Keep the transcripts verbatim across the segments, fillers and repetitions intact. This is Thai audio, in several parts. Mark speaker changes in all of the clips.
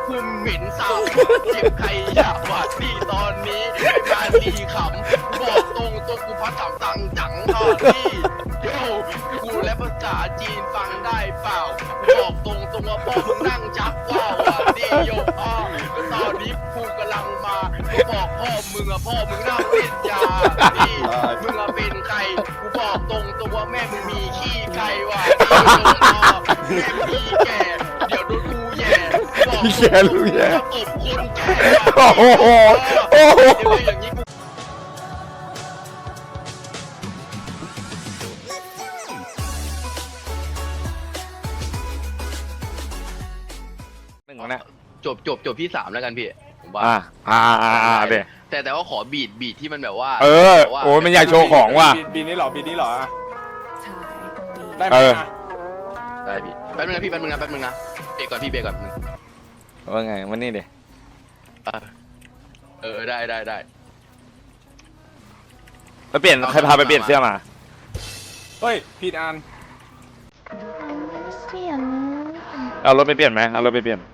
Speaker 1: คุมเหม็นสาวเจ็บใครอยากหวาดพี่ตอนนี้มาดีขำบอกตรงตรงกูพัดถามตังจังทอดพี่โย่กูและภาษาจีนฟังได้เปล่าบอกตรงตรงว่าพ่อมึงนั่งจับว่าวอ่ะดีโย่อ้อตอนนี้กูกำลังมากูบอกพ่อมึงอะพ่อมึงนั่งเป็นยาพี่มึงอะเป็นใครกูบอกตรงตรงว่าแม่มึงมีขี้ไก่ว่ะดีโย่อ้อแม่มีแก่เดี๋ยวโดนกูแย่บอกตรงตรงว่าตบคนแก่ว่ะ
Speaker 2: โอ้โหโอ้โห
Speaker 1: เดี๋ยวอย่างนี้กู
Speaker 2: หนึ่งนะ
Speaker 1: จบจบจบที่สามแล้วกันพี่ผมว่า
Speaker 2: อ่าอ่าอ่าอ่าเดี๋ยว
Speaker 1: แต่แต่ว่าขอบีดบีดที่มันแบบว่า
Speaker 2: เออ
Speaker 1: แบบว่า
Speaker 2: โอ้ยมันอยากโชว์ของว่ะ
Speaker 3: ปีปีนี้เหรอปีนี้เหรอ
Speaker 4: ใช่
Speaker 3: ได้ไหม
Speaker 2: เออ
Speaker 3: นะ
Speaker 1: ได้พี่แป๊บนึงนะพี่แป๊บนึงนะแป๊บนึงนะเบรกก่อนพี่เบรกก่อนนึง
Speaker 2: ว่าไงวันนี้เดี๋ยว
Speaker 1: อ่ะเออได้ได้ได้
Speaker 2: ไปเปลี่ยนใครพาไปเปลี่ยนเสื้อมา
Speaker 3: เฮ้ยผิดอัน
Speaker 4: เสียง
Speaker 2: เอารถไปเปลี่ยนไหมเอารถไปเปลี่ยน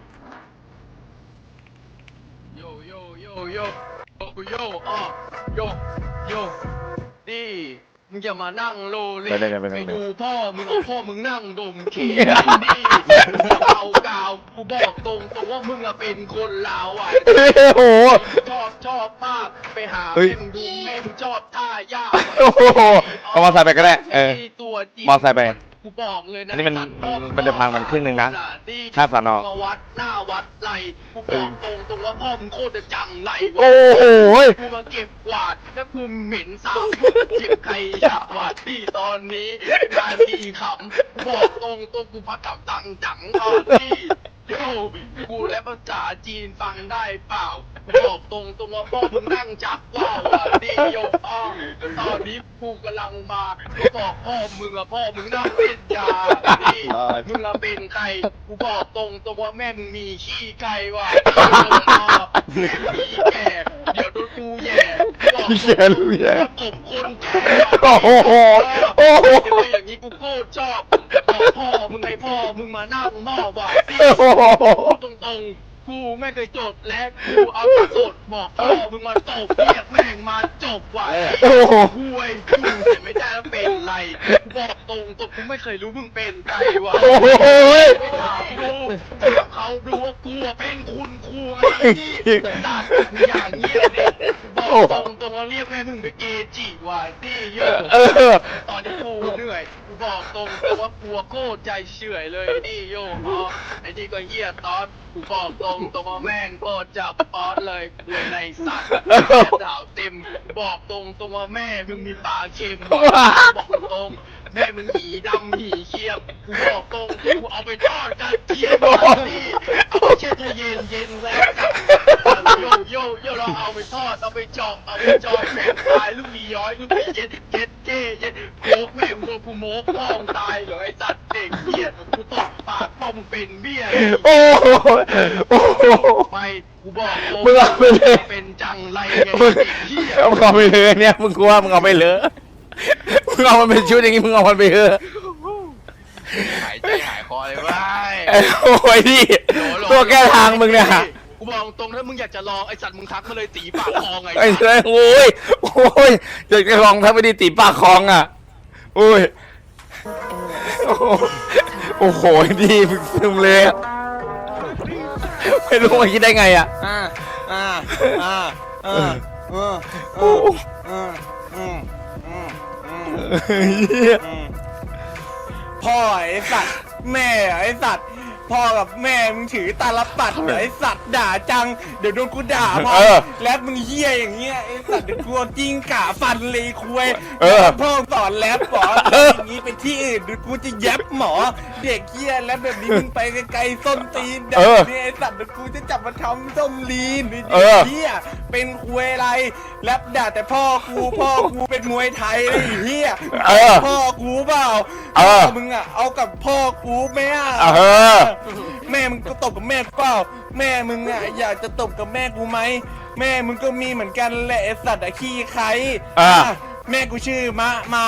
Speaker 1: โยโยโยโยโยโยอ้อโยโยดีมึงอย่ามานั่งโลเลไปดูพ่อมึงเอาพ่อมึงนั่งดมเขียนดีเกากาวกูบอกตรงตรงว่ามึงอะเป็นคนลาวอ่ะ
Speaker 2: โอ้โห
Speaker 1: ชอบชอบมากไปหา
Speaker 2: เฮ้ย
Speaker 1: แม่มึงดูแม่มึงชอบท่ายาก
Speaker 2: โอ้โหเอามอเตอร์ไซค์ไปก็ได้เออ
Speaker 1: ไตัวจริง
Speaker 2: มอเตอร์ไซค์ไป
Speaker 1: กูบอกเลยนะ
Speaker 2: อันนี้มัน
Speaker 1: สัตว์พ่อ
Speaker 2: มันจะพังมันครึ่งหนึ่งนะค่าสอนอ
Speaker 1: มาวัดหน้าวัดไรกูบอกตรงตรงว่าพ่อมึงโคตรจะจังไร
Speaker 2: โอ้โห
Speaker 1: กูมาเก็บกวาดแล้วกูเหม็นสาวเก็บใครอยากหวาดพี่ตอนนี้มาดีขำบอกตรงตรงกูพัดกับตังจังตอนนี้โย่กูและภาษาจีนฟังได้เปล่าบอกตรงตรงว่าพ่อมึงนั่งจับว่าวอ่ะดีโยอ้อตอนนี้กูกำลังมากูบอกพ่อมึงอะพ่อมึงนั่งเป็นยาดีมึงอะเป็นใครกูบอกตรงตรงว่าแม่มึงมีขี้ไก่ว่ะแม่มีแก่เดี๋ยวโดนกูแย่บอก
Speaker 2: พี่แกรู้แย่
Speaker 1: ตบคนแก่
Speaker 2: โอ้โหโอ้โห
Speaker 1: เดี๋ยวอย่างนี้กูโคตรชอบบอกพ่อมึงให้พ่อมึงมานั่งหม้อว่ะดี
Speaker 2: โอ้โห
Speaker 1: ตรงๆ กูไม่เคยจดและกูเอาแต่สดบอกพ่อมึงมาตบเรียกแม่งมาจบว่ะ
Speaker 2: โอ้โห
Speaker 1: กูไอ้กูเห็นไม่ได้แล้วเป็นไรบอกตรงตรงกูไม่เคยรู้มึงเป็นใครว่ะ
Speaker 2: โอ้โห
Speaker 1: ไม่ถามดูถามเขาดูว่ากูเป็นคุณครูไอ้ที่ตัดอย่างเงี้ยเด็กบอกตรงตรงว่าเรียกแม่มึงเป็นเกจิว่ะที่เยอะ
Speaker 2: เออ
Speaker 1: ตอนที่กูเหนื่อยกูบอกตรงแต่ว่ากลัวโคตรใจเฉื่อยเลยนี่โยอ๋อไอ้ที่ก็เหี้ยตอนกูบอกตรงตรงว่าแม่งโคตรจับป๊อตเลยเลยในสัตว์ดาวเต็มบอกตรงตรงว่าแม่มึงมีปากเค็มบอกตรงแม่มึงหีดำหีเขี้ยวกูบอกตรงกูเอาไปทอดกันเทียมนี่เอาไปแช่เย็นเย็นแล้วโยโยโยเราเอาไปทอดเอาไปจอกเอาไปจอกแม่ตายลูกมีย้อยลูกมีเย็นเย็นเจ๊เย็นโคกแม่งโดนกูโมกพ่อมตายเหรอไอ้สัตว์เด็กเหี้ยกูตบปากพ่อมึงเป็นเบี้ย
Speaker 2: โอ้โหโอ้โห
Speaker 1: ไม่กูบอกตรง
Speaker 2: มึงเอาไปเลย
Speaker 1: เป็นจังไรไง
Speaker 2: มึง
Speaker 1: เด็กเหี้ย
Speaker 2: เอามึงเอาไปเลยเนี่ยมึงกลัวมึงเอาไปเลยมึงเอามันเป็นชุดอย่างงี้มึงเอามันไปเถอะ
Speaker 1: หายใจหายคอเลยว้าย
Speaker 2: โอ้ยพี่ตัวแก้ทางมึงเนี่ย
Speaker 1: กูบอกตรงถ้ามึงอยากจะลองไอ้สัตว์มึงทักมาเลยตีปากคอไง
Speaker 2: ไอ้เจ้ยโอ้ยโอ้ยอยากจะลองถ้าไม่ได้ตีปากคลองอ่ะโอ้ยโอ้โหโอ้โหดีมึงซึมเลยอะไม่รู้ว่าคิดได้ไงอ่ะ
Speaker 3: อ่าอ่าอ่าอ่าอ่า
Speaker 2: โอ้โห
Speaker 3: อ่าอืมอืมอืม
Speaker 2: เหี้ย
Speaker 3: อืมพ่อไอ้สัตว์แม่ไอ้สัตว์พ่อกับแม่มึงถือตาลปัดเหรอไอ้สัตว์ด่าจังเดี๋ยวโดนกูด่าพ่อแล้วมึงเหี้ยอย่างเงี้ยไอ้สัตว์เดี๋ยวกูเอาจิ้งก่าฟันเลยคุยพ่อสอนแรปก่อนอย่างงี้ไปที่อื่นเดี๋ยวกูจะแยบหมอเด็กเหี้ยแล้วแบบนี้มึงไปไกลๆส้นตีนด่าเนี่ยไอ้สัตว์เดี๋ยวกูจะจับมาทำส้มลีนไอ้เด็กเหี้ยเป็นคุยอะไรแรปด่าแต่พ่อกูพ่อกูเป็นมวยไทยไอ้เหี้ยพ่อกูเปล่าพ่อมึงอ่ะเอากับพ่อกูไหมอ่ะ
Speaker 2: เออ
Speaker 3: แม่มึงก็ตบกับแม่กูเปล่าแม่มึงอ่ะอยากจะตบกับแม่กูไหมแม่มึงก็มีเหมือนกันแหละไอ้สัตว์อะขี้ใคร
Speaker 2: อ่า
Speaker 3: แม่กูชื่อมะไมาย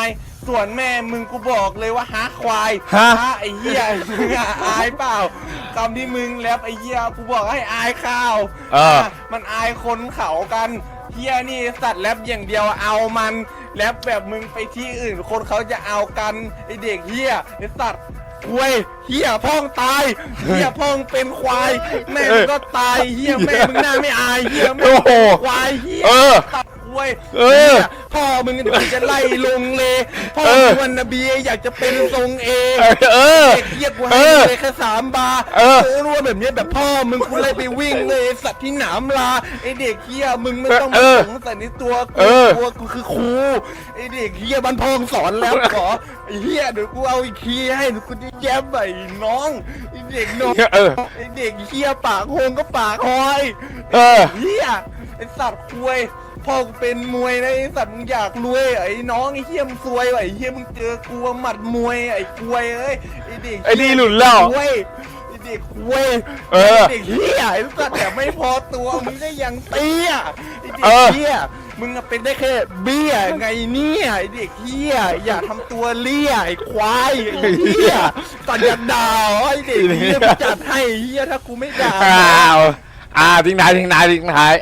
Speaker 3: ส่วนแม่มึงกูบอกเลยว่าฮะควาย
Speaker 2: ฮะ
Speaker 3: ไอ้เหี้ยมึงอะอายเปล่าคำที่มึงแรปไอ้เหี้ยกูบอกให้อายข้าว
Speaker 2: เออ
Speaker 3: ะมันอายคนเขากันเหี้ยนี่สัตว์แรปอย่างเดียวเอามันแรปแบบมึงไปที่อื่นคนเขาจะเอากันไอเด็กเหี้ยไอสัตว์ควยเหี้ยพ่องตายเหี้ยพ่องเป็นควายแม่มึงก็ตายเหี้ยแม่มึงหน้าไม่อายเหี้ยแม่
Speaker 2: โอ้
Speaker 3: มึง
Speaker 2: โห
Speaker 3: เป็นควายเหี้ย
Speaker 2: เออ
Speaker 3: ตัดควย
Speaker 2: เออ
Speaker 3: หี้ยพ่อมึงเดี๋ยวจะไล่ลงเลยพ่อ
Speaker 2: เออ
Speaker 3: มึงวันนบีอยากจะเป็นทรงเอ
Speaker 2: เออ
Speaker 3: เด็กเหี้ยกู
Speaker 2: เอ
Speaker 3: ให้
Speaker 2: อ
Speaker 3: เลยแค่สามบาร์
Speaker 2: เออ
Speaker 3: โอ้รู้ว่าแบบเนี้ยแบบพ่อมึงกูเลยไปวิ่งเลยไอ้สัตว์ที่หนามลาไอเด็กเหี้ยมึงไม่ต้องมา
Speaker 2: เออ
Speaker 3: สงสัยในตัว
Speaker 2: เอ
Speaker 3: กู
Speaker 2: อ
Speaker 3: ตัวกูคือครูไอเด็กเหี้ยบ้านพองสอนแล้วขอไอเหี้ยเดี๋ยวกูเอาอีกทีให้เดี๋ยวกูจะแย้มไปน้องไอเด็กน้อง
Speaker 2: เออ
Speaker 3: ไอเด็กเหี้ยปากโฮงก็ปากหอย
Speaker 2: เออ
Speaker 3: เหี้ยไอสัตว์ควยพ่อกูเป็นมวยนะไอสัตว์มึงอยากรวยไอ้น้องไอเหี้ยมงซวยว่ะไอเหี้ยมึงเจอกูหมัดมวยไอ้ควยเอ้ยไอเด็ก
Speaker 2: ไอ้นี่หลุดแล้ว
Speaker 3: ควยไอเด็กควย
Speaker 2: เออ
Speaker 3: ไเด็กเหี้ยไอ้สัตว์แต่ไม่พอตัวมึงก็ยังเตี้ยไอเด็
Speaker 2: เอก อ
Speaker 3: เหี้ยมึงอะเป็นได้แค่เบี้ยไงเนี่ยไอเด็กเหี้ยอย่าทำตัวเลี่ยไอ้ควายไอ้เหี้ยสัตว์อย่าด่าไอเด็กเหี้ยมึงจัดให้เหี้ยถ้ากูไม่ด่า
Speaker 2: อ้าวอ่าทิ้งท้ายทิ้งท้ายทิ้งท้าย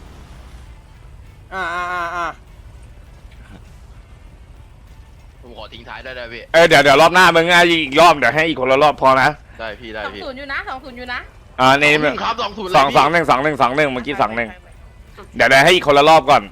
Speaker 3: อ่าอ่าอ่าอ่า
Speaker 1: ผมขอทิ้งท้ายได้ได้พี่
Speaker 2: เออเดี๋ยวเดี๋ยวรอบหน้ามึงอ่ะอีกรอบเดี๋ยวให้อีกคนละรอบพอนะ
Speaker 1: ได้พี่ได้
Speaker 4: สอง
Speaker 1: พี่
Speaker 4: ศูนย์อยู่นะสองศูนย์อยู่นะ
Speaker 2: อ่านี่
Speaker 1: สองหนึ่งครับสองศูนย์เลย
Speaker 2: สอง
Speaker 1: พี่
Speaker 2: สองหนึ่งสองหนึ่งสองหนึ่งเมื่อกี้สองหนึ่งเดี๋ยวเดี๋ยวให้อีกคนละรอบก่อน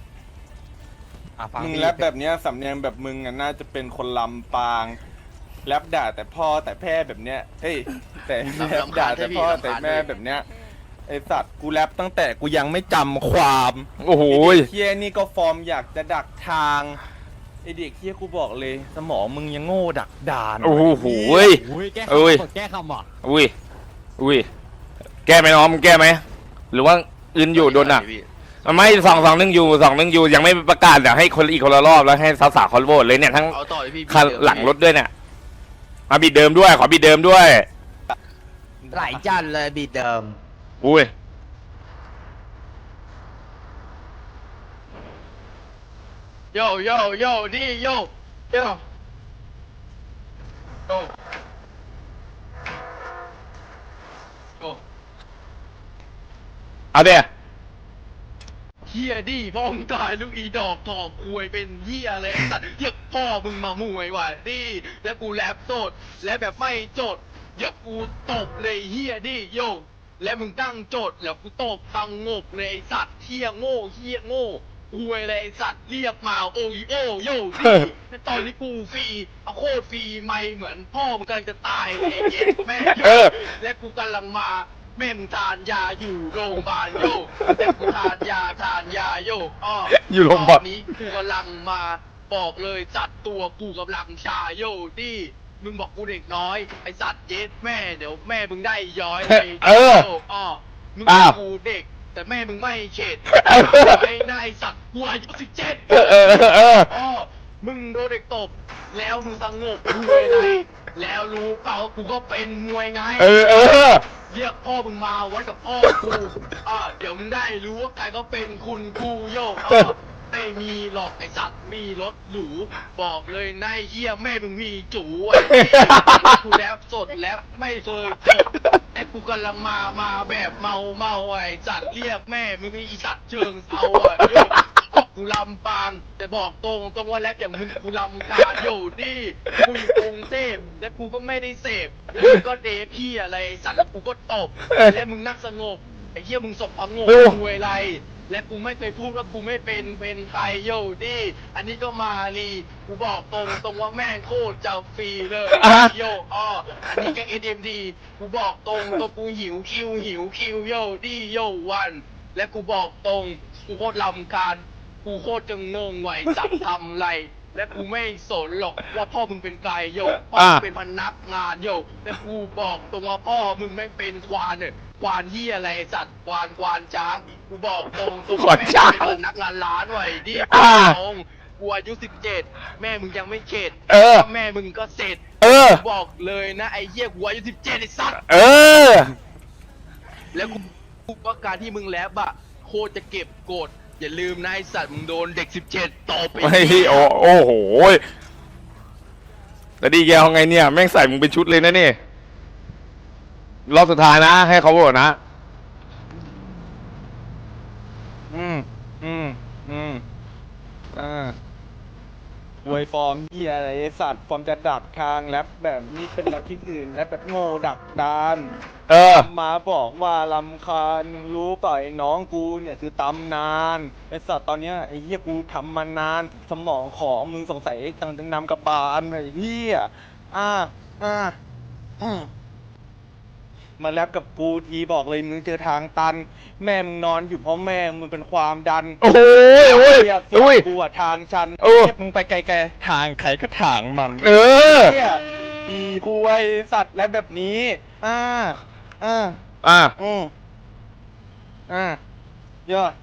Speaker 3: มึงแรปแบบเนี้ยสำเนียงแบบมึงอ่ะน่าจะเป็นคนลำปางแรปด่าแต่พ่อแต่แพ่แบบเนี้ยเฮ้ยแต่แรปด่าแต่พ่อแต่แม่แบบเนี้ยไอสัตว์กูแรปตั้งแต่กูยังไม่จำความ
Speaker 2: โอ้โห
Speaker 3: ไอ้เด็กเฮียนี่ก็ฟอร์มอยากจะดักทางไอเด็กเฮียกูบอกเลย สมองมึงยังโง่ดักดาน
Speaker 2: โอ้โห
Speaker 3: เหี้ย
Speaker 5: อุ้ยแก้
Speaker 2: เอ้ย
Speaker 5: คำแก้คำอ่ะ
Speaker 2: อุ้ยอุ้ยแก้ไหมน้องมึงแก้ไหมหรือว่าอื่นอยู่โดนอ่ะ
Speaker 1: พี่
Speaker 2: ไม่สองสองหนึ่งอยู่สองหนึ่งอยู่ยังไม่ประกาศเดี๋ยวให้คนอีกคนละรอบแล้วให้สาวๆคอนโหวตเลยเนี่ยทั้ง
Speaker 1: เอาต่อเลยพี่
Speaker 2: คันหลังรถด้วยเนี่ยมาบีดเดิมด้วยขอบีดเดิมด้วย
Speaker 5: ไหลจันเลยบีดเดิม
Speaker 2: อุ้ย
Speaker 1: โยโยโยนี่โยโยโยโย
Speaker 2: เอาเดี๋ยว
Speaker 1: เฮียดิพ่อมึงตายลูกอีดอกถอกควยเป็นเฮียอะไรไอ้สัตว์เฮียพ่อมึงมามวยว่ะดิแล้วกูแรปโสดและแบบไม่โจดเดี๋ยวกูตบเลยเฮียดิโยและมึงตั้งโจทย์แล้วกูตบตังงบเลยไอ้สัตว์เฮียโง่เฮียโง่ควยเลยไอ้สัตว์เรียกมาโอโอโยดิแต่ตอนนี้กูฟรีเอาโคตรฟรีไม่เหมือนพ่อมึงกำลังจะตายเลยไอ้เย็ดแม่โย
Speaker 2: เออ
Speaker 1: และกูกำลังมาแม่มึงทานยาอยู่โรงพยาบาลโยแต่กูทานยาทานยาโยอ้อ
Speaker 2: อยู่โรงพยาบาล
Speaker 1: ตอนนี้กูกำลังมาบอกเลยจัดตัวกูกำลังชาโยดิมึงบอกกูเด็กน้อยไอสัตว์เย็ดแม่เดี๋ยวแม่มึงได้ย้อยเลย
Speaker 2: เออ
Speaker 1: โอ้อมึง
Speaker 2: อ้าว
Speaker 1: กูเด็ก แต่แม่มึงไม่เข็ด
Speaker 2: เออ
Speaker 1: ไอ้นายสัตว์กูอายุสิบเจ็ด
Speaker 2: เออเออเออเออ
Speaker 1: อ๋อมึงโดนเด็กตบ แล้วมึงสงบมวยไงแล้วรู้เปล่ากูก็เป็นมวยไง
Speaker 2: เออเออ
Speaker 1: เรียกพ่อมึงมาวัดกับพ่อกู อ่าเดี๋ยวมึงได้รู้ว่าใครก็เป็นคุณกูโยกอ่าไม่มีหรอกไอสัตว์มีรถหรู บอกเลยนายเฮียแม่มึงมีจูไอ้เหี้ยกูแล้วสดแล้วไม่เคยจบไอ้กูกำลังมา มาแบบเมาเมาไอ้สัตว์เรียกแม่มึงไอ้สัตว์เชิงเซาอ่ะโยกกูลำปางแต่บอกตรงตรงว่าแล้วอย่างมึงกูลำการอยู่นี่กูอยู่กรุงเทพและกูก็ไม่ได้เสพมึงก็เดฟพี่อะไรสัตว์แล้วกูก็ตบและมึงนั่งสงบไอ้เหี้ยมึงสบประงกกูอะไรและกูไม่เคยพูดว่ากูไม่เป็นเป็นใครโยดิอันนี้ก็มาลีกูบอกตรงตรงว่าแม่งโคตรจะฟรีเลย
Speaker 2: อ่ะ
Speaker 1: โยอ้ออันนี้ก็ เอส เอ็ม ดี กูบอกตรงตัวกูหิวคิวหิวคิวโยดิโยวัน และกูบอกตรงกูโคตรลำคาญกูโคตรจะงงไหวจับทำไร และกูไม่สนหรอกว่าพ่อมึงเป็นใครโยพ่อมึงเป็นพนักงานโยและกูบอกตรงว่าพ่อมึงไม่เป็นควานเนี่ยควานเหี้ยอะไรสัตว์ควานควานช้างกูบอกตรงตรง
Speaker 2: ควานช้าง
Speaker 1: แม่งเป็นพนักงานร้านไว้ดิ
Speaker 2: อ่า
Speaker 1: ตรงกูอายุสิบเจ็ดแม่มึงยังไม่เข็ด
Speaker 2: เออ
Speaker 1: แม่มึงก็เสร็จ
Speaker 2: เออ
Speaker 1: กูบอกเลยนะไอ้เหี้ยกูอายุสิบเจ็ดไอ้สัตว์
Speaker 2: เออ
Speaker 1: แล้วกูกูว่าการที่มึงแลบอะโคตรจะเก็บกดอย่าลืมนะไอ้สัตว์มึงโดนเด็กสิบเจ็ดตบไป
Speaker 2: ไม่โอ้โอ้โหแล้วดีแกเอาไงเนี่ยแม่งใส่มึงเป็นชุดเลยนะนี่รอบสุดท้ายนะ ให้เขาโหวตนะ
Speaker 3: อืมอืมอืมอ่าเวยฟอร์มเฮียอะไรไอ้สัตว์ฟอร์มจะดักทางแรปแบบนี้เป็นแรปที่อื่นแรปแบบโง่ดักดาน
Speaker 2: เออ
Speaker 3: มาบอกว่าลำคาญรู้เปล่าไอ้น้องกูเนี่ยคือตำนานไอ้สัตว์ตอนเนี้ยไอ้เหี้ยกูทำมานาน สมองของมึงสงสัยตังตังนำกระบาลไอ้เหี้ยอ่าอ่าอืมมาแรปกับกูทีบอกเลยมึงเจอทางตัน แม่มึงนอนอยู่เพราะแม่มึงเป็นความดัน
Speaker 2: โอ้โหโอ้ย
Speaker 3: เหี้ย
Speaker 2: โอ้ย
Speaker 3: กูอะทางชัน
Speaker 2: โอ้
Speaker 3: เหี้ยมึงไปไกลๆทางใครก็ทางมัน
Speaker 2: เออ
Speaker 3: เหี้ยอีกูไอสัตว์และแบบนี้ อ่า อ่า
Speaker 2: อ่ะ
Speaker 3: อืมอ่า ยอด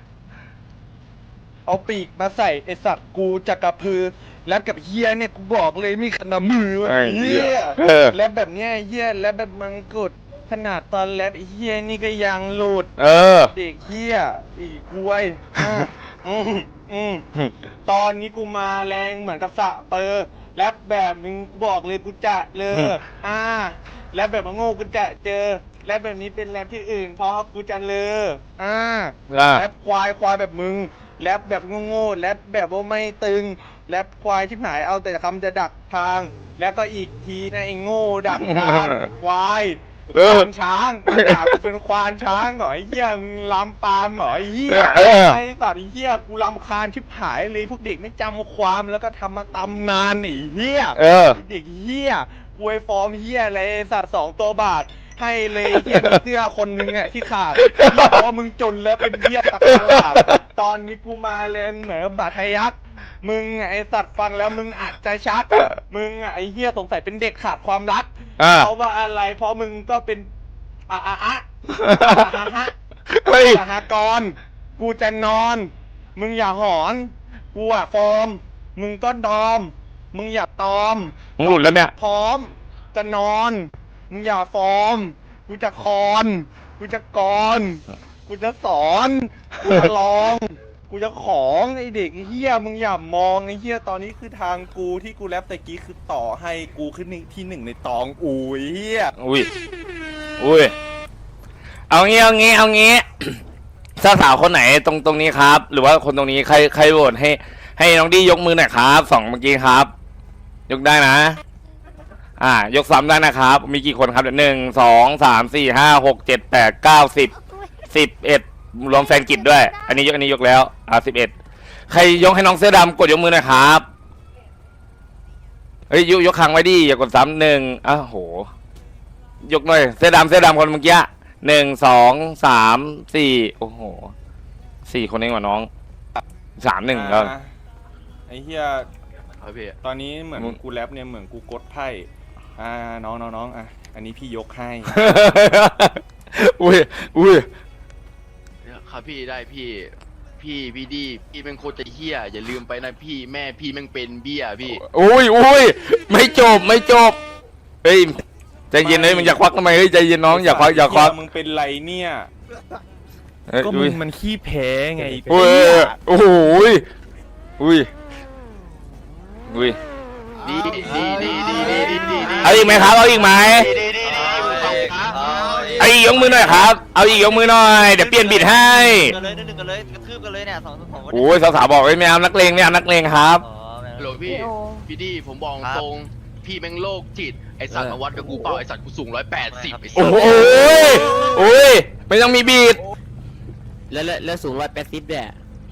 Speaker 3: เอาปีกมาใส่ไอสัตว์กูจะกระพือ แล้วกับเฮียเนี่ยกูบอกเลยมีขนาดมือวะ
Speaker 2: ไอ้
Speaker 3: เฮี
Speaker 2: เหี้ย
Speaker 3: ย
Speaker 2: เออ
Speaker 3: แล้วแบบเนี้ยเฮียแล้วแบบมังกรขนาดตอนแรปไอ้เฮียนี่ก็ยังหลุด
Speaker 2: เออ
Speaker 3: เด็กเฮียอีกล้วยอ่ะอืมอืมตอนนี้กูมาแรงเหมือนกับสะเปอร์แรปแบบมึงบอกเลยกูจะเล
Speaker 2: อื
Speaker 3: อ
Speaker 2: ม
Speaker 3: อ่าแรปแบบมาโง่กูจะเจอแรปแบบนี้เป็นแรปที่อื่นเพราะกูจะเลออ่า
Speaker 2: อ่ะ
Speaker 3: แรปควายควายแบบมึงแรปแบบโง่ๆแรปแบบว่าไม่ตึงแรปควายที่หายเอาแต่คำจะดักทาง แล้วก็อีกทีนะไอ้โง่ดักทางควาย
Speaker 2: เออ
Speaker 3: ควานช้างด่ากูเป็นควานช้างเหรอไอ้เหี้ยมึงลำปามเหรอไอ้เหี้ย
Speaker 2: เออ
Speaker 3: ไอ้สัตว์ไอ้เหี้ยกูรำคาญชิบหายเลยพวกเด็กไม่จำความแล้วก็ทำมาตำนานไอ้เหี้ย
Speaker 2: เออ
Speaker 3: ไอ้เด็กเหี้ยอวยฟอร์มเหี้ยอะไรไอ้สัตว์สองตัวบาท ให้เลยเหี้ยมีเสื้อคนนึงอ่ะที่ขาดเพราะว่ามึงจนแล้วเป็นเหี้ยตะกร้าตอนนี้กูมาเลยเหมือนบาดทะยักมึงอะไอสัตว์ฟังแล้วมึงอาจจะชัก มึงอะไอเหี้ยสงสัยเป็นเด็กขาดความรัก
Speaker 2: อ่า
Speaker 3: เพราะว่าอะไรเพราะมึงก็เป็นอะอะอะอะฮะ
Speaker 2: เฮ้ย
Speaker 3: สหกรณ์กูจะนอน มึงอย่าหอนกูอะฟอร์ม มึงก็ดอม มึงอย่าตอม
Speaker 2: มึงหลุดแล้วเนี่ย
Speaker 3: พร้อม จะนอน มึงอย่าฟอร์ม กูจะคอน กูจะกร กูจะสอน กูจะลอง กูจะของไอเด็กไอ้เฮียมึงอย่ามองไอเฮียตอนนี้คือทางกูที่กูแรปตะกี้คือต่อให้กูขึ้นที่หนึ่งในตองอูยเฮีย
Speaker 2: อุ้ย อุ้ย เอางี้ เอางี้ เอางี้ สาวสาวคนไหนตรงตรงนี้ครับ หรือว่าคนตรงนี้ใครใครโหวตให้ ให้น้องดียกมือหน่อยครับสองเมื่อกี้ครับ ยกได้นะ อ่า ยกซ้ำได้นะครับ มีกี่คนครับเดี๋ยวหนึ่งสองสามสี่ห้าหกเจ็ดแปดเก้าสิบสิบเอ็ดรวมแฟนกิจด้วย อันนี้ยกอันนี้ยกแล้วอ่าสิบเอ็ดใครยกให้น้องเสื้อดำกดยกมือหน่อยครับ เฮ้ยยกยกค้างไว้ดิอย่ากดซ้ำหนึ่งอ้าวโห ยกหน่อยเสื้อดำเสื้อดำคนเมื่อกี้หนึ่งสองสามสี่โอ้โหสี่คนเองว่ะน้องสามหนึ่งแล้ว
Speaker 3: อ่าไอเฮีย
Speaker 1: ครับพี่
Speaker 3: ตอนนี้เหมือน
Speaker 2: มึง
Speaker 3: กูแรปเนี่ยเหมือนกูกดไพ่อ่าน้องน้องน้องอ่ะอันนี้พี่ยกให้
Speaker 2: อุ้ยอุ้ย
Speaker 1: ครับพี่ได้พี่ พี่พี่ดีพี่เป็นโคตรจะเฮี้ยอย่าลืมไปนะพี่แม่พี่แม่งเป็นเบี้ยพี่
Speaker 2: อุ้ยอุ้ยไม่จบไม่จบเฮ้ยใจเย็นเลยมึงอยากควักทำไมเฮ้ยใจเย็นน้องอยากควักอยากควัก
Speaker 3: เหี้มึงเป็นไรเนี่ย
Speaker 2: เฮ้ย
Speaker 3: ก็
Speaker 2: อุ้
Speaker 3: มึ
Speaker 2: ย
Speaker 3: งมันขี้แพ้ไง
Speaker 2: อุ้ยโอ้โหยอุ้ยอุ้ย
Speaker 1: ดีดีดีดีดีดีดีดี
Speaker 2: เอาอีกไหมครับเอาอีกไหม
Speaker 1: ดีดีดีดีมึงฟังกูนะ
Speaker 2: เอาอีกยกมือหน่อยครับเอาอีกยกมือหน่อยเดี๋ยวเปลี่ยนบิดให้
Speaker 5: กันเลยหนึ่งกันเลยกระทืบกันเลยเนี่ยสองสองคน
Speaker 2: โอ้ยสาวๆบอกไม่เอานักเลงไม่เอานักเลงครับ
Speaker 5: อ๋อแม่ง
Speaker 1: ฮัลโหลพี่พี่ดีผมบอกตรงพี่แม่งโรคจิตไอสัตว์มาวัดกับกูเปล่าไอสัตว์กูสูงร้อยแปดสิบไอสั
Speaker 2: โอ้
Speaker 1: ต
Speaker 2: โห
Speaker 1: ว์
Speaker 2: โอ้ยไม่ต้องมีบีด
Speaker 5: แล้วแล้วแล้วสูงร้อยแปดสิบเนี่ย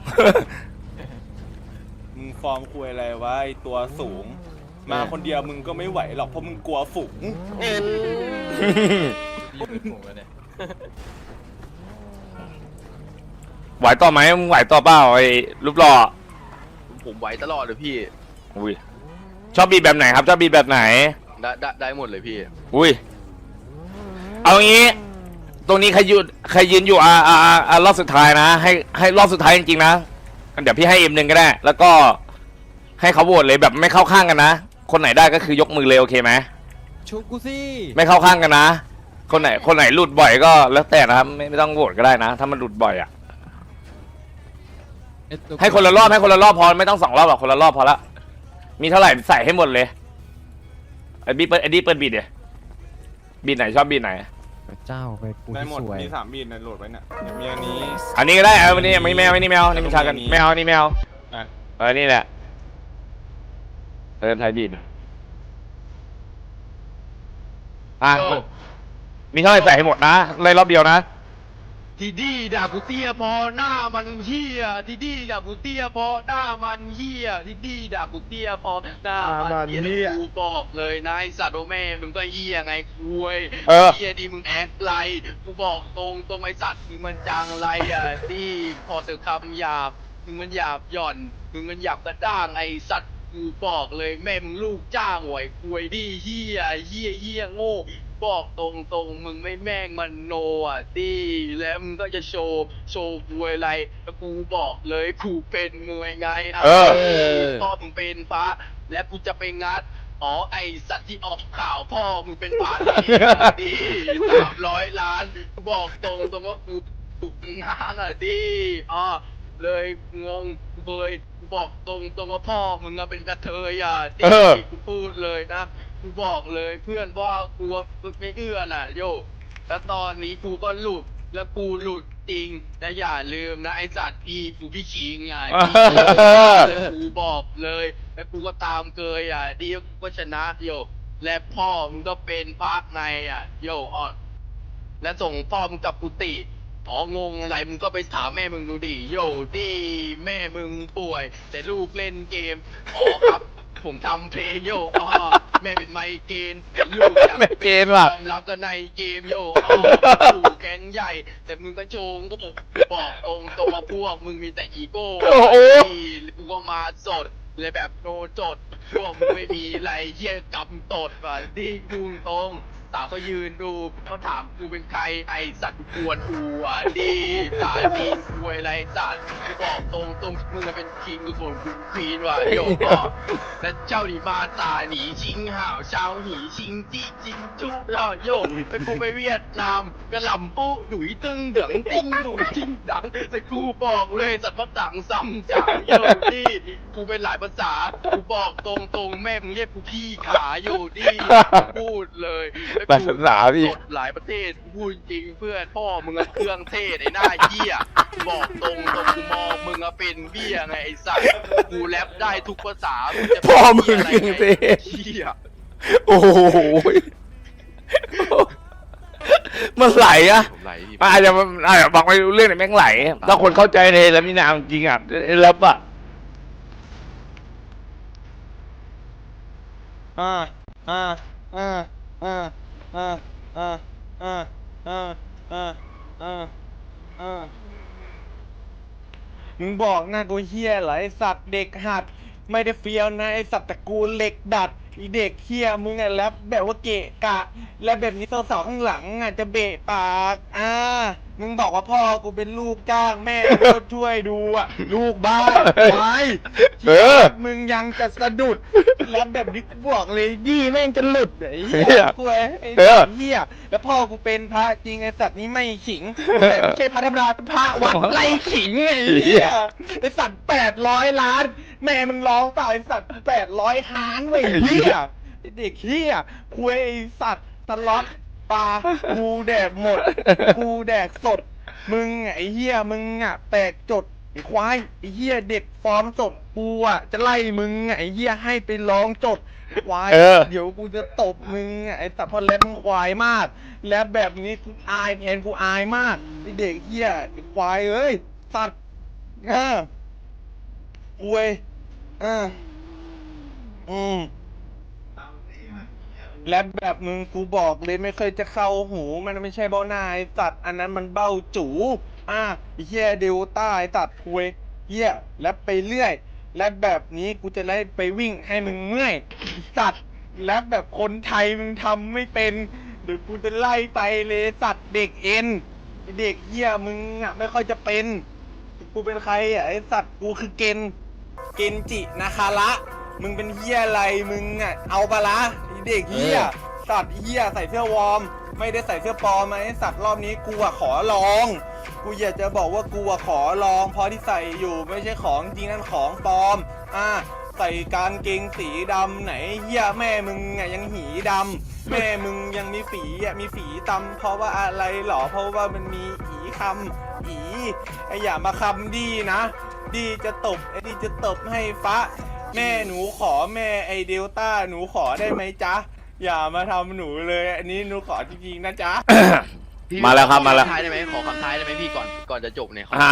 Speaker 3: มึงฟอร์มคุยอะไรวะไอตัวสูง มาคนเดียวมึงก็ไม่ไหวหรอกเพราะมึงกลัวฝูง
Speaker 2: ไหวต่อไหมมึงไหวต่อเปล่าไอ้รูปหล่อ
Speaker 1: ผมไหวตลอดเลยพี่
Speaker 2: อุ้ยชอบบีดแบบไหนครับชอบบีดแบบไหน
Speaker 1: ได้ได้ได้หมดเลยพี่
Speaker 2: อุ้ยเอางี้ ตรงนี้ใครยืนใครยืนอยู่อ่าอ่าอ่าอ่ารอบสุดท้ายนะ ให้ให้รอบสุดท้ายจริงๆนะเดี๋ยวพี่ให้เอ็มหนึ่งก็ได้ แล้วก็ให้เขาโหวตเลยแบบไม่เข้าข้างกันนะคนไหนได้ก็คือยกมือเลยโอเคไหม
Speaker 5: ชุบกูสิ
Speaker 2: ไม่เข้าข้างกันนะ คนไหนคนไหนหลุดบ่อยก็แล้วแต่นะครับไม่ไม่ต้องโหวตก็ได้นะ ถ้ามันหลุดบ่อยอ่ะให้คนละรอบให้คนละรอบพอไม่ต้องสองรอบหรอกคนละรอบพอละมีเท่าไหร่ใส่ให้หมดเลยอ้บีเปิดไอ้ดีเปิดบีดเดี๋ยบีดไหนชอบบีดไหน
Speaker 5: เจ้าไปกู
Speaker 3: ได้
Speaker 5: ที่
Speaker 3: หมด
Speaker 5: สวย
Speaker 3: มีสามบีนในโหลดไว้เนี่ยเดี๋ยวมีอันนี้
Speaker 2: อันนี้ก็ได้เออวันนี้ไม่แมวนี่แมวนี่มันชากันแมวนี่แมว
Speaker 3: อ่ะ
Speaker 2: เออนี่แหละเออไทยบีดอ่ะมีเท่าไหร่ใส่ให้หมดนะเลยรอบเดียวนะ
Speaker 1: ทีดีด่ากูเตี้ยพอหน้ามันเฮียทีดีด่ากูเตี้ยพอหน้ามันเฮียทีดีด่ากูเตี้ยพอหน้ามันเฮียกูบอกเลยนายสัตว์โอแม่มึงก็เฮียไงคุย
Speaker 2: เออ
Speaker 1: เฮียดีมึงแอคไรกูบอกตรงตรงไอสัตว์มึงมันจังไรอ่ะดีพอเจอคำหยาบมึงมันหยาบหย่อนมึงมันหยาบกระด้างไอสัตว์กูบอกเลยแม่มึงลูกจ้างหวยคุยดีเฮียเฮียเฮียโง่บอกตรงตรงๆมึงไม่แม่งมันโนอ่ะดีแล้วมึงก็จะโชว์โชว์มวยอะไรแล้วกูบอกเลยกูเป็นมวยไงอ่ะ
Speaker 2: เออ
Speaker 1: พ่อมึงเป็นพระและกูจะไปงัดอ๋อไอสัตว์ที่ออกข่าวพ่อมึงเป็นพระดีสามร้อยล้านกูบอกตรงตรงๆว่ากูถูกงานอ่ะดีอ๋อเลยงงเลยกูบอกตรงตรงๆว่าพ่อมึงอะเป็นกระเทยอ่ะดี
Speaker 2: เออ
Speaker 1: กูพูดเลยนะกูบอกเลยเพื่อนว่ากูไม่เอื้อน่ะโยแล้วตอนนี้กูก็หลุดแล้วกูหลุดจริงแต่อย่าลืมนะไอสัตว์พี่กูพี่คิงไงพี่แล้วกูบอกเลยแล้วกูก็ตามเกยอ่ะดีกูก็ชนะโยและพ่อมึงก็เป็นพระไงอ่ะโยอ่อนและส่งพ่อมึงกลับกุฏิอ๋องงอะไรมึงก็ไปถามแม่มึงดูดิโยดีแม่มึงป่วย แต่ลูกเล่นเกมอ๋อครับ ผมทำเพลงโยอ๋อแม่เป็นไมเกรนลูกอยาก
Speaker 2: ไมเกรนว่ะ
Speaker 1: ยอมรับกันในเกมโยอ๋อถูกแก๊งใหญ่ แต่มึงก็โชงก็บอกตรงตรงมาพวกมึงมีแต่อีโก้
Speaker 2: โอ้โห
Speaker 1: ที่กูก็มาสดเลยแบบโนจดพวกมึงไม่มีอะไรเยี่ยกำตดว่ะที่กูตรงสาวเขายืนดูเขาถามกูเป็นใครไอสัตว์กวนกูอ่ะดีสายดีกูอะไรสัตว์กูบอกตรงตรงมึงอะเป็นคิงกูส่วนกูควีนว่ะโยก็และเจ้าหนีมาตาหนีชิงห่าวเช้าหนีชิงจี้จิงจุ๊บล่อโยไปกูไปเวียดนามกระหล่ำปุ๊หนุยตึงเดืองติ้งหนุยจิ้งดังแต่กูบอกเลยสัตว์พักดังซ้ำจังโยนี่กูเป็นหลายภาษากูบอกตรงตรงแม่มึงเรียกกูพี่ขาโยนี่พูดเลย
Speaker 2: หลายภาษาพี่
Speaker 1: สดหลายประเทศพูดจริงเพื่อนพ่อมึงอะเครื่องเทศไอ้หน้าเหี้ยบอกตรงตรงกูมองมึงอะเป็นเบี้ยไงไอ้สัตว์กูแรปได้ทุกภาษามึงจะ
Speaker 2: พ่อมึง
Speaker 1: เป็น
Speaker 2: เครื่องเทศ
Speaker 1: เหี้ย
Speaker 2: โอ้โหมันไหลอะ
Speaker 1: ผมไหลดิ
Speaker 2: มันอาจจะมันอาจจะบอกไม่รู้เรื่องแต่แม่งไหลถ้าคนเข้าใจในแล้วมีนามจริงอ่ะแล้วอะ
Speaker 3: อ่าอ่าอ่าอ่าอ่าอ่าอ่าอ่าอ่าอ่าอ่ามึงบอกหน้ากูเฮียเหรอไอสัตว์เด็กหัดไม่ได้เฟี้ยวนะไอสัตว์ตระกูลเหล็กดัดไอเด็กเฮียมึงอะแรปแบบว่าเกะกะ และแบบนี้สาวๆข้างหลังอะจะเบะปากอ่ามึงบอกว่าพ่อกูเป็นลูกจ้างแม่กูก็ช่วยดูอะลูกบ้าไว้
Speaker 2: เออ
Speaker 3: มึงยังจะสะดุดแล้วแบบนี้กูบอกเลยยี่แม่งจะหลุดไอ้เหี้
Speaker 2: เหี้
Speaker 3: ย
Speaker 2: ย
Speaker 3: คุยไอ้
Speaker 2: เออ
Speaker 3: สัตว์เหี้ยแล้วพ่อกูเป็นพระจริงไอ้สัตว์นี้ไม่ขิงแต่ไม่ใช่พระธรรมดาเป็นพระวัดไล่ขิงไอ้เหี้ยไอ้สัตว์แปดร้อยล้าน แม่มึงร้องเปล่าไอ้สัตว์แปดร้อยล้านเว้ยเหี้ยไอ้เด็กเหี้ยคุยไอ้สัตว์สล็อตปลากูแดกหมดกูแดกสด มึงไอ้เหี้ยมึงอ่ะแตกจดไอ้ควายไอ้เหี้ยเด็กฟอร์มสดกูอ่ะจะไล่มึงไอ้เหี้ยให้ไปร้องจดควาย
Speaker 2: เออ
Speaker 3: เดี๋ยวกูจะตบมึงไอ้สัตว์พอแลบมึงควายมาก แล้วแบบนี้กูอายแทนกูอายมากไอ้เด็กเหี้ยไอ้ควายเอ้ยสัตว์อ่าอวยอ่าอืมและแบบมึงกูบอกเลยไม่เคยจะเข้าหูมันไม่ใช่เบ้าหน้าไอ้สัตว์อันนั้นมันเบ้าจูอ่ะไอ้เหี้ยเดลต้าไอ้สัตว์คุยเหี้ยและไปเรื่อย และแบบนี้กูจะไล่ไปวิ่งให้มึงเมื่อยไอ้สัตว์และแบบคนไทยมึงทำไม่เป็นเดี๋ยวกูจะไล่ไปเลยสัตว์เด็กเอ็นไอ้เด็กเหี้ยมึงอ่ะไม่ค่อยจะเป็นกูเป็นใครอ่ะไอ้สัตว์กูคือเกนเกนจินาคาระมึงเป็นเหี้ยอะไรมึงอ่ะเอาปะละไอ้เด็กเหี้ย สัตว์เหี้ยใส่เสื้อวอร์มไม่ได้ใส่เสื้อปลอมไหมสัตว์รอบนี้กูอะขอลอง กูอยากจะบอกว่ากูอะขอลองเพราะที่ใส่อยู่ไม่ใช่ของจริงนั่นของปลอมอ่ะใส่กางเกงสีดำไหนเฮียแม่มึงไงยังหีดำแม่มึงยังมีฝีอ่ะมีฝีตำเพราะว่าอะไรหรอเพราะว่ามันมีอีคำอีไออย่ามาคำดีนะ ดีจะตบไอดีจะตบให้ฟ้าแม่หนูขอแม่ไอเดลต้าหนูขอได้ไหมจ๊ะอย่ามาทำหนูเลยอันนี้หนูขอจริงๆนะจ๊ะ
Speaker 1: พี่
Speaker 2: มาแล้วครับมาแล้ว
Speaker 1: ขอคำท้ายได้ไหมขอคำท้ายได้ไหมพี่ก่อนก่อนจะจบเนี่ยขอ
Speaker 2: อ่า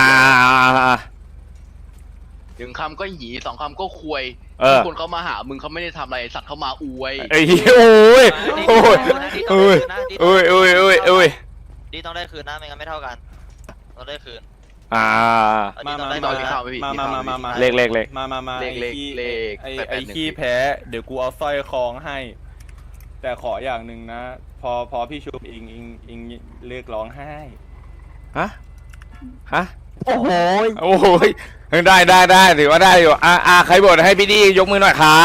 Speaker 1: หนึ่งคำก็หยีสองคำก็ควย
Speaker 2: เออ
Speaker 1: ทุกคนเขามาหามึงเขาไม่ได้ทำอะไรสัตว์เขามาอวย
Speaker 2: ไอ้เหี้ยโอ้ยโอ้ยโอ้ยโอ้ยโอ้ยโอ้ยโอ้ย
Speaker 5: ดีต้องได้คืนนะไม่งั้นไม่เท่ากันต้องได้คืน
Speaker 2: อ่า
Speaker 3: มามา
Speaker 1: ไม่
Speaker 3: มา
Speaker 1: ต้องกินข้าวไหมพี่
Speaker 3: มามามามามา
Speaker 2: เล็กเล็กเล็ก
Speaker 3: มามามา
Speaker 1: เลขเลข
Speaker 3: ไอ้ขี้
Speaker 1: เลข
Speaker 3: ไอ้
Speaker 1: แปดแป
Speaker 3: ไอ้
Speaker 1: ดหนึ่ง
Speaker 3: ขี้แพ้ เดี๋ยวกูเอาสร้อยคล้องให้ แต่ขออย่างหนึ่งนะ พอพอพี่ชุบอิงอิงอิงเลิกร้องไห้
Speaker 2: ฮะฮะ
Speaker 5: โอ้โห
Speaker 2: โอ้ยได้ได้ได้ถือว่าได้อยู่อ่าอ่าใครบ่นให้พี่ดียกมือหน่อยครับ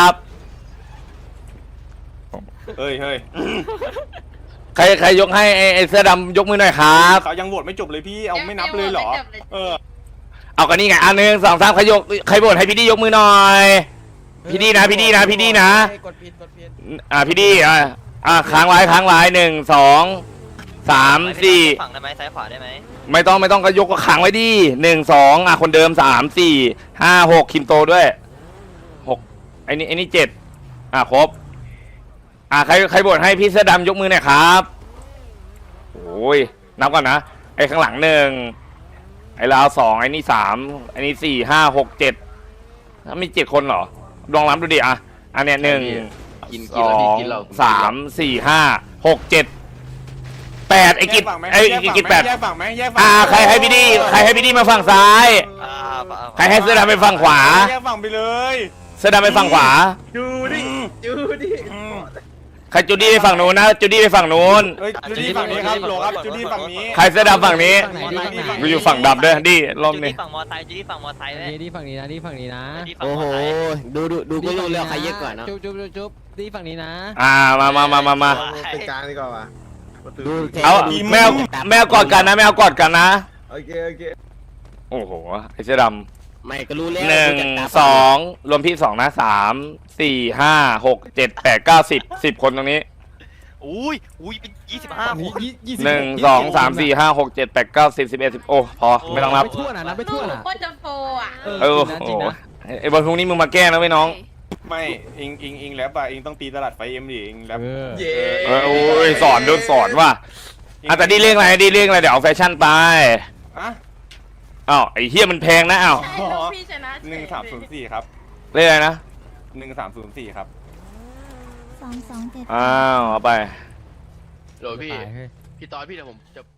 Speaker 3: เฮ้ยเฮ้ย
Speaker 2: ใครใครยกให้ไอ้ไอ้เสื้อดำยกมือหน่อยครับ
Speaker 3: เขายังโหวตไม่จบเลยพี่เอาไม่นับเลยเหรอ เออ
Speaker 2: เอากันนี่ไงอันหนึ่งสองสามใครยกใครบ่นให้พี่ดียกมือหน่อย พี่ดีนะพี่ดีนะพี่ดีนะ
Speaker 5: กดผิดกดผิด
Speaker 2: อ่าพี่ดีอ่าอ่าค้างไว้ค้างไว้หนึ่งสองสามสี่
Speaker 5: ฝั่งได้ไหมซ้ายขวาได้ไหม
Speaker 2: ไม่ต้องไม่ต้องก็ยกก็ขังไว้ดิหนึ่งสองอ่ะคนเดิมสามสี่ห้าหกคิมโตด้วยหกไอ้นี่ไอ้นี่เจ็ดอ่ะครบอ่ะใครใครบ่นให้พี่เสื้อดำยกมือหน่อยครับโอ้ยนับก่อนนะไอ้ข้างหลังหนึ่งไอ้ลาวสองไอ้นี่สามไอ้นี่สี่ห้าหกเจ็ดถ้ามีเจ็ดคนเหรอลองนับดูดิอ่ะอันเนี้ยหนึ่ง
Speaker 1: กิน
Speaker 2: ส
Speaker 1: กิน
Speaker 2: อ
Speaker 1: แล้วพี่
Speaker 2: ง
Speaker 1: กินเรา
Speaker 2: สามสี่ห้าหกเจ็ดแปดไอ้กิจ
Speaker 3: แยฝั่งหม
Speaker 2: ไอ้
Speaker 3: แยฝั่ง
Speaker 2: กิจ
Speaker 3: ไหม
Speaker 2: แปด
Speaker 3: แยกฝั่งไหมแยกฝั่ง
Speaker 2: อ่าใครให้พี่ดีใครให้พี่ดีมาฝั่งซ้าย
Speaker 5: อ่า
Speaker 2: ใครให้เสื้อดำไปฝั่งขวา
Speaker 3: แยกฝั่งไปเลย
Speaker 2: เสื้อดำไปฝั่งขวา
Speaker 3: ดูดิดูดิ
Speaker 2: ใครจูดี้ไปฝั่งนู้นนะจูดี้ไปฝั่งนู้น
Speaker 3: เฮ้ยจูดี้ฝั่งนี้ครับโหลครับจูดี้ฝั่งนี้
Speaker 2: ใครเสื้อดำฝั่งนี้
Speaker 5: ฝั่งไหนดีฝั่งไหน
Speaker 2: กูอยู่ฝั่งดำด้วยดิรอบ
Speaker 5: จุด
Speaker 2: นี้
Speaker 5: ที่ฝั่งมอไซค์จุดที่ฝั่งมอไซค์เลย
Speaker 4: นี่ดีฝั่งนี้นะดีฝั่งนี้นะ
Speaker 5: จุดที่ฝั่ง
Speaker 6: โอ้
Speaker 5: ม
Speaker 6: โห
Speaker 5: อไซค์
Speaker 6: ดูดูดูก็รู้แล้วใครเยอะกว่าเนอะ
Speaker 4: จุ๊บจุ๊บจุ๊บจุ๊บดีฝั่งนี้นะ
Speaker 2: อ่ามามามามามา
Speaker 6: เป็นกลางดีกว่าว่ะดู
Speaker 2: เอาแมวแมวกอดกันนะแมวกอดกันนะ
Speaker 6: โอเคโอเค
Speaker 2: โอ้โหไอ้เสื้อด
Speaker 6: ไม่ก็รู้แล้ว
Speaker 2: ำหนึ่ง
Speaker 6: ดูจากตา
Speaker 2: สองรวมพี่สองนะสามสี่ห้าหกเจ็ดแปดเก้าสิบสิบคนตรงนี้
Speaker 5: อุ้ยอุ้ยเป็นยี่สิบห้า
Speaker 4: ฝั่ง
Speaker 5: ค
Speaker 4: นี้
Speaker 5: น
Speaker 4: ยี่ยี่สิบ
Speaker 2: หนึ่งสองสามสี่ห้าหกเจ็ดแปดเก้าสิบสิบเอ็ดสิบโอ้พอไม่ต้องนับ
Speaker 4: ไปทั่วนะนับไปทั่วนะ
Speaker 7: โคตรจะโฟอ่ะ
Speaker 2: เออ
Speaker 4: จริงนะ
Speaker 2: โอ้
Speaker 4: จริง
Speaker 2: โห
Speaker 4: นะ
Speaker 2: ไอ้บอลพรุ่งนี้มึงมาแก้นะไว้ยน้อง
Speaker 3: ไม่อิงอิงอิงแล้วป่ะอิงต้องตีตลาดไฟเอ็มดิอิงแล้ว
Speaker 4: เออ
Speaker 1: เย้
Speaker 2: เออโอ้ยสอนโดนสอนว่ะอ่ะแต่ดีเรื่องอะไรดีเรื่องอะไรเดี๋ยวเอาแฟชั่นไป
Speaker 3: อะ
Speaker 2: อ้าวไอ้เฮียมันแพงนะอ้าว
Speaker 7: ใช่ลูกพี่ชนะ
Speaker 3: หนึ่งสามศูนย์สี่ครับ
Speaker 2: เรื่องอะไรนะ
Speaker 3: หนึ่งสามศูนย์สี่ครับ
Speaker 8: สองสองเจ็ด
Speaker 2: อ้าวเอาไป
Speaker 1: โหลพี่
Speaker 4: ตายเฮ้ย
Speaker 1: พี่ตอนพี่เดี๋ยวผมจะ